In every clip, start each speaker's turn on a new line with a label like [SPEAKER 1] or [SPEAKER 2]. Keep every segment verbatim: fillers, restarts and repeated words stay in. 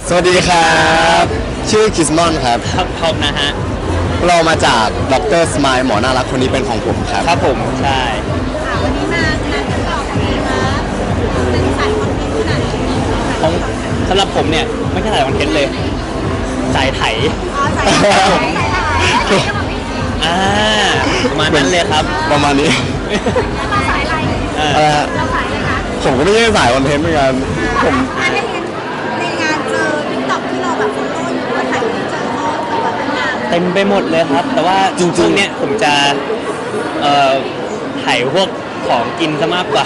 [SPEAKER 1] สวัสดีครับชื่อคิสมอนครับ
[SPEAKER 2] ครับผมนะฮะ
[SPEAKER 1] เรามาจากดรสมายหมอน่ารักคนนี้เป็นของผมครับ
[SPEAKER 2] ครับผมใช่
[SPEAKER 3] วันนี้มางานทดลองอะไรคะเป็นสายคอนเทนต์ขนาดไหน
[SPEAKER 2] ของสำหรับผมเนี่ยไม่ใช่สายคอนเทนต์เลยสายไถ
[SPEAKER 3] อ๋อสายไถสายไถ
[SPEAKER 2] อ่าประมาณนั้นเลยครับ
[SPEAKER 1] ประมาณนี้
[SPEAKER 3] เราสายอะไรเราสายอะไรคะ
[SPEAKER 1] ผมก็ไม่ใช่สายคอนเทนต์เหมือนกันผม
[SPEAKER 3] ในงานเจอติ๊กต็อกที่เราแบบโฟโต้หรือว่าถ่ายเจอเขาแบบเป็นงาน
[SPEAKER 2] เต็มไปหมดเลยครับแต่ว่าจริงๆเนี่ยผมจะเอ่อถ่ายพวกของกินซะมากกว่า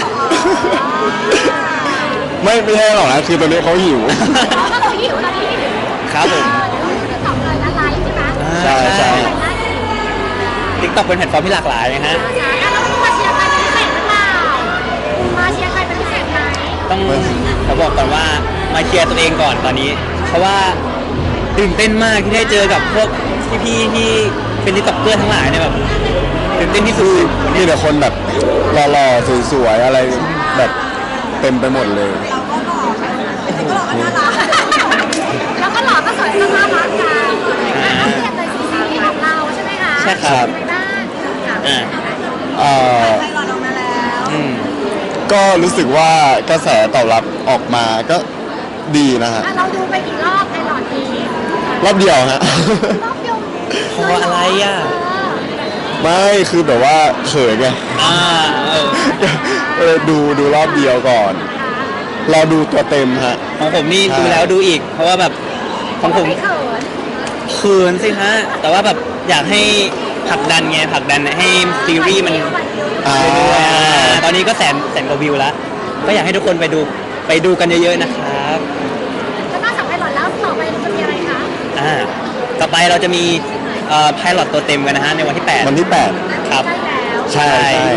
[SPEAKER 1] ไม่ไม่ใช่หรอกนะคือตอนนี้เขาหิว
[SPEAKER 3] เขาหิวตอนนี้
[SPEAKER 2] ครับผม
[SPEAKER 3] ติ๊กต็อกเลยละลายใช่ไหม
[SPEAKER 1] ใช่ใช่
[SPEAKER 2] ติ๊กต็อกเป็นแพลตฟอร์มที่หลากหลายนะฮะ
[SPEAKER 3] แล้วมาเชียร์ใครเป็นพิเศษหรือเปล่ามาเชียร์ใครเป็นพิเศษไหม
[SPEAKER 2] ต้องเขาบอกก่อนว่ามาเชียร์ตัวเองก่อนตอนนี้เพราะว่าตื่นเต้นมากที่ได้เจอกับพวกพี่ๆที่เป็นติ๊กต็อกเกอร์ทั้งหลายเนี่ยแบบตื่นเต้นที่สุด
[SPEAKER 1] มีแต่คนแบบหล่อๆสวยๆอะไรแบบเต็มไปหมดเลย
[SPEAKER 3] เราก็หล่อก็หล่อก็น่ารักแล้วก็หล่อก็สวยก็น่ารักกันก็เปลี่ยนเลยซีซีของเราใช่ไหมคะ
[SPEAKER 2] ใช่ครับ
[SPEAKER 3] อ่า
[SPEAKER 1] อ่า
[SPEAKER 3] ใครหล่อลงมาแล้ว
[SPEAKER 1] ก็รู้สึกว่ากระแสตอบรับออกมาก็ดีนะฮะ
[SPEAKER 3] เราดูไปกี่รอบไอหลอดนี้
[SPEAKER 1] รอบเดียวฮะ
[SPEAKER 3] รอบเดียว
[SPEAKER 2] เพราะอะไรอ่ะ
[SPEAKER 1] ไม่คือแบบว่าเขินไง
[SPEAKER 2] อ่า
[SPEAKER 1] เออดูดูรอบเดียวก่อนเราดูตัวเต็มฮะ
[SPEAKER 2] ของผมนี่ดูแล้วดูอีกเพราะว่าแบบของผมเขินสิฮะแต่ว่าแบบอยากให้ผลักดันไงผลักดันให้ซีรีส์มันตอนนี้ก็แสนแสนกว่าวิวแล้วก็อยากให้ทุกคนไปดูไปดูกันเยอะๆนะครับ
[SPEAKER 3] แล้วนอกจากไพลอตแล้วต่อไปจะมีอะไรคะ
[SPEAKER 2] อ่าต่อไปเราจะมีเอ่อไพลอตตัวเต็มกันนะฮะในวันที่แปด
[SPEAKER 1] วันที่แปด
[SPEAKER 2] ครับ
[SPEAKER 1] ใช่ใช่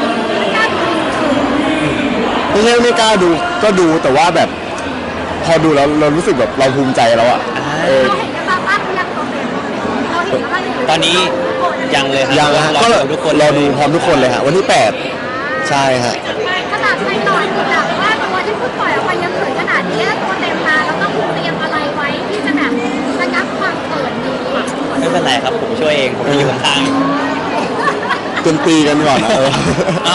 [SPEAKER 1] ไม่ใช่ไม่กล้าดูก็ดูแต่ว่าแบบพอดูแล้วเรารู้สึกแบบเราภูมิใจแล้วอ่ะ
[SPEAKER 3] เออ
[SPEAKER 2] ตอนนี้ยังเลยครับ
[SPEAKER 1] ยังฮะก็ทุกคนรอดูพร้อมทุกคนเลยฮะวันที่แปดใช่ฮะ
[SPEAKER 3] ขนาดในตอนแบบว่าตัวที่เพิ่งปล่อยออกไปยังเขินขนาดนี้ตัวเต็มมาแล้วต้องเตรียมอะไรไว้ที่จะแบบระงับความเขินนี้
[SPEAKER 2] ไม่เป็นไรครับผมช่วยเองผมอยู่ข้าง
[SPEAKER 1] จนตีกันก่อนนะเออ
[SPEAKER 2] เอา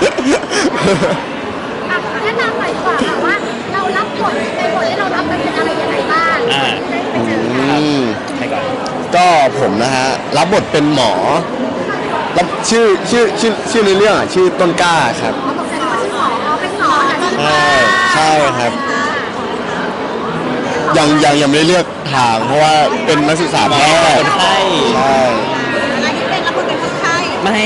[SPEAKER 3] แนะนำหน่อยดีกว่าค่ะว่าเรารับบทในบทที่เรารับเป็นอะไรยังไงบ้าง
[SPEAKER 2] อ่า
[SPEAKER 1] ใครก่อนก็ผมนะฮะรับบทเป็นหมอรับชื่อชื่อชื่อชื่อในเรื่องอ่ะชื่อต้นกล้าครับใช่ใช่ครับยังยังยังไม่ได้เลือกทางเพราะว่าเป็นนักศึกษาแพทย์
[SPEAKER 2] ใช่
[SPEAKER 1] ใช่
[SPEAKER 3] เป็นรับบทเป็นคนไข้
[SPEAKER 2] ไม่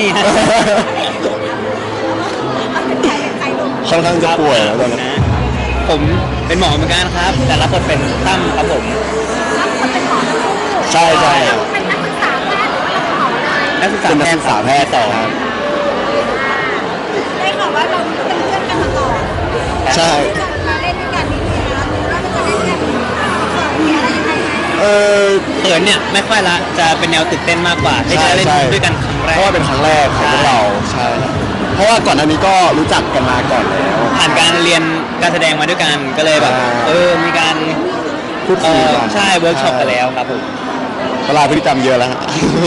[SPEAKER 1] ค่อนข้างจะป่วยแล้วตอนนี้
[SPEAKER 2] ผมเป็นหมอเหมือนกันครับแต่รับบทเป็นตั้มครับผม
[SPEAKER 1] ใช่ใช่
[SPEAKER 3] เป็นนักศึกษาแพทย์หรือว่าเราเป็นหมอเลย
[SPEAKER 2] นักศึกษา
[SPEAKER 1] เป็นนักศึกษาแพทย์ต่อครับ
[SPEAKER 3] ได้ข่าวว่าเราเป็นเพื่อนกันมาก่อน
[SPEAKER 1] ใช่
[SPEAKER 3] มาเล่นด้วยกันนี่นะว่ามันจะเล่นกันมีอะไรยังไง
[SPEAKER 1] เออ
[SPEAKER 2] เขินเนี่ยไม่ค่อยละจะเป็นแนวตื่นเต้นมากกว่าที่จะเล่นด้วยกันครั้งแรก
[SPEAKER 1] เพราะว่าเป็นครั้งแรกของพวกเราใช่เพราะว่าก่อนหน้านี้ก็รู้จักกันมาก่อนแล้ว
[SPEAKER 2] ผ่านการเรียนการแสดงมาด้วยกันก็เลยแบบเออมีการ
[SPEAKER 1] พูดคุยกัน
[SPEAKER 2] ใช่เวิร์กช็อปกันแล้วครับผม
[SPEAKER 1] เวลาพฤติกรรมเยอะแล้ว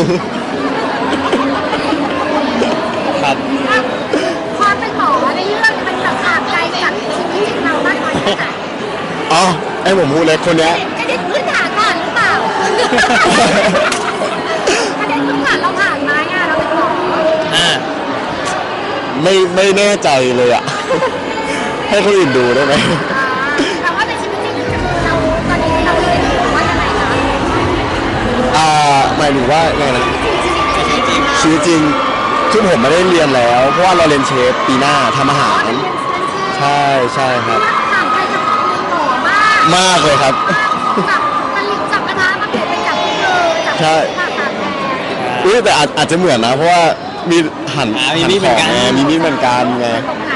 [SPEAKER 2] ครับ
[SPEAKER 3] ความเป็นหมอในเรื่องมันแบบห่างไกลจากชีวิตจริงเรามากน้อยแค่ไหน
[SPEAKER 1] อ๋อไอ้ผมพูดเลยคนเนี้ย
[SPEAKER 3] กระเด็นพื้นฐานก่อนหรือเปล่ากระเด็นพื้นฐานเราผ่านไหมอ่ะเราเป็นหมอ
[SPEAKER 2] อ่า
[SPEAKER 1] ไม่ไม่แน่ใจเลยอ่ะให้คนอื่นดูได้ไหม
[SPEAKER 3] แต่ว่าในชีวิตจริงเราตอนนี้เราเรียนอยู่ว่าจะไหนคะ
[SPEAKER 1] อ่าหมายถึงว่าไงนะชีวิตจริงคือผมไม่ได้เรียนแล้วเพราะว่าเราเรียนเชฟปีหน้าทำอาหารใช่ใช่ครับ
[SPEAKER 3] ห่างไกลจากหมอมาก
[SPEAKER 1] มากเลยครับ
[SPEAKER 3] จับตะลิงจับกระทะมาเปลี่ยนเป็นจับที่มือจับ
[SPEAKER 1] ใช่อุ้ยแต่อาจจะเหมือนนะเพราะว่ามีหั่น
[SPEAKER 2] มีมีเหมือนกัน
[SPEAKER 1] มีมีเหมือนกันไง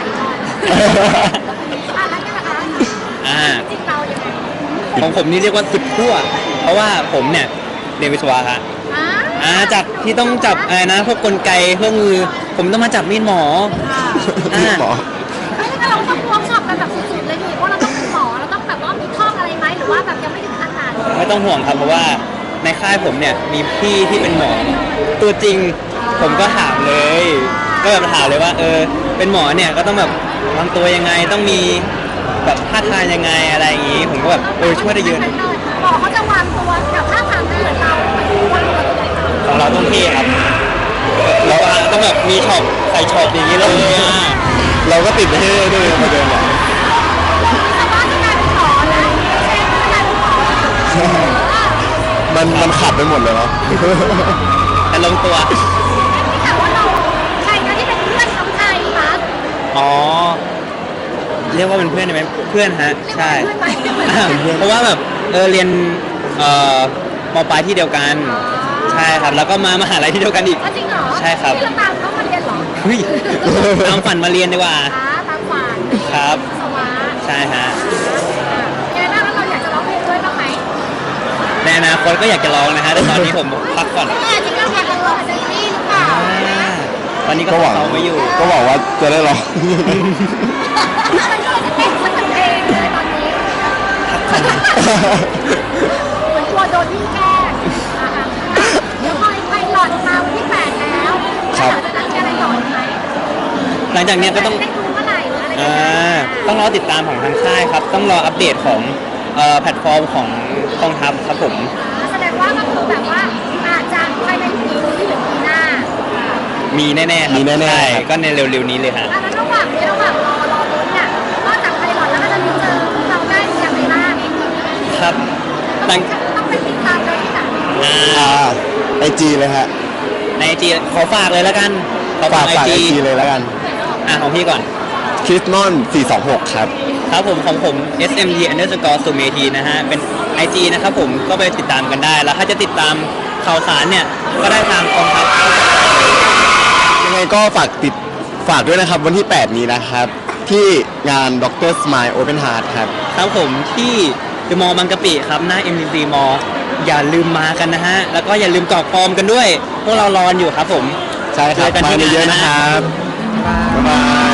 [SPEAKER 2] อ่าของผมนี่เรียกว่าสุดขั้วเพราะว่าผมเนี่ยเรียนวิศวะฮะอ่าจากที่ต้องจับอะไรนะพวกกลไกเครื่องมือผมต้องมาจับมีดหมอ
[SPEAKER 1] มีดหมอ
[SPEAKER 3] เราต้องเวิร์กช็อปกันแบบสุดๆเลยดิเพราะเราต้องเป็นหมอเราต้องแบบว่ามีท่องอะไรไหมหรือว่าแบบยังไม่ถึง
[SPEAKER 2] ต้องห่วงครับเพราะว่าในค่ายผมเนี่ยมีพี่ที่เป็นหมอตัวจริงผมก็ถามเลย ก็แบบถามเลยว่าเออเป็นหมอเนี่ยก็ต้องแบบวางตัวยังไงต้องมีแบบท่าทางยังไงอะไรอย่างงี้ ผมก็แบบเออช่วยได้เยอะนะ
[SPEAKER 3] หมอเขาจะวางตัวกับท่าทางเหมือนเราวางตัวยังไง
[SPEAKER 2] ของเราต้องเท่ครับเราต้องแบบมีช็อปใส่ช็อปอย่างนี้เลยอ่ะ
[SPEAKER 1] เราก็ติดให้ด้วยประเด็นอ่ะ
[SPEAKER 3] แต่ว่าจะกลายเป็นหมอนะไม่ใช่จะกลายเป็นหมอ
[SPEAKER 1] มันมันขัดไปหมดเลยเนาะ
[SPEAKER 2] แต่ลงตัว
[SPEAKER 3] แต่ว่าเราใครนะที่เป็นเพื่อนของไทยคะ
[SPEAKER 2] อ๋อเรียกว่าเป็นเพื่อนได้ไหมเพื่อนฮะใช่
[SPEAKER 3] เรียกว่าเป็นเพื่อนไหม
[SPEAKER 2] อ่าเพราะว่าแบบเออเรียนเอ่อมปลายที่เดียวกันใช่ครับแล้วก็มามหาลัยที่เดียวกันอีก
[SPEAKER 3] อ๋อจริงเหรอ
[SPEAKER 2] ใช่ครับ
[SPEAKER 3] ที่เราตามเขามาเรียนเหรอ
[SPEAKER 2] เฮ้ยตามฝันมาเรียนดีกว่า
[SPEAKER 3] อ่าตามฝัน
[SPEAKER 2] ครับ
[SPEAKER 3] สวะ
[SPEAKER 2] ใช่ฮะ
[SPEAKER 3] ยังไงบ้างแล้วเราอยากจะร้องเพลงด้วยบ้างไหม
[SPEAKER 2] ในอนาคตก็อยากจะร้องนะฮะแต่ตอนนี้ผมพักก่อน
[SPEAKER 3] เออจริงๆเราอยากจะร้องเซนซี่หรือเปล่า
[SPEAKER 2] อ่าตอนนี้ก็
[SPEAKER 1] ก็หวัง
[SPEAKER 2] เขาไม่อยู่
[SPEAKER 1] ก็หวังว่าจะได้ลอง
[SPEAKER 3] มันก็จะเต้นสักเพลงเลยตอนนี้เหมือนกลัวโดนพี่แกล้งอ่ะๆเดี๋ยวพอไพลอตมาวันที่แปดแล้ว
[SPEAKER 1] ครับ
[SPEAKER 3] แล้วหลังจากนั้นจะอะไรต่ออีกไหม
[SPEAKER 2] หลังจากเนี้ยก็ต้อง
[SPEAKER 3] ได้ดูเมื่อไหร่หรืออะไรยัง
[SPEAKER 2] อ่า
[SPEAKER 3] ไง
[SPEAKER 2] ต้องรอติดตามของทางค่ายครับ ต้องรออัปเดตของเอ่อแพลตฟอร์มของกองทัพครับผม
[SPEAKER 3] แสดงว่าก็คือแบบว่าอาจจะภายในปีนี้หรือปีหน้า
[SPEAKER 2] มีแน่ๆครับ
[SPEAKER 1] มีแน่ๆ
[SPEAKER 2] ใช่
[SPEAKER 1] ครับ
[SPEAKER 2] ก็ในเร็วๆนี้เลยฮะ
[SPEAKER 3] แล้วระหว่างนี้ระหว่างรอรอลุ้นเนี่ยนอกจากไพลอตแล้วก็จะมีเจอเราได้อย่างไรบ้าง
[SPEAKER 2] ครับหลัง
[SPEAKER 3] ต้องไปติดตามเราที่ไหน
[SPEAKER 2] อ่า
[SPEAKER 1] อ่าไอจีเลยฮะ
[SPEAKER 2] ในไอจีขอฝากเลยแล้วกันขอ
[SPEAKER 1] ฝา
[SPEAKER 2] ฝาก กไอ
[SPEAKER 1] ฝากไอ
[SPEAKER 2] จี
[SPEAKER 1] จีเลยแล้วกัน
[SPEAKER 2] อ่ะของพี่ก่อน
[SPEAKER 1] คริสนอนสี่สองหกครับ
[SPEAKER 2] ครับผมของผม เอส เอ็ม ที underscore สุเมธีนะฮะ เป็น ไอ จี นะครับผมก็ไปติดตามกันได้ แล้วถ้าจะติดตามข่าวสารเนี่ย ก็ได้ทางกองทัพ
[SPEAKER 1] ยังไงก็ฝากติดฝากด้วยนะครับวันที่ แปด นี้นะครับ ที่งาน ด็อกเตอร์ Smile Open Heart ครับ
[SPEAKER 2] ครับผมที่เดอะมอลล์บางกะปิครับหน้า เอ็ม ซี มอลล์อย่าลืมมากันนะฮะ แล้วก็อย่าลืมกรอกฟอร์มกันด้วย พวกเรารออยู่ครับผม
[SPEAKER 1] ใช่ครับ
[SPEAKER 2] เจอกัน
[SPEAKER 1] มา
[SPEAKER 2] ที่งาน
[SPEAKER 1] เยอะๆนะครับ บ๊ายบาย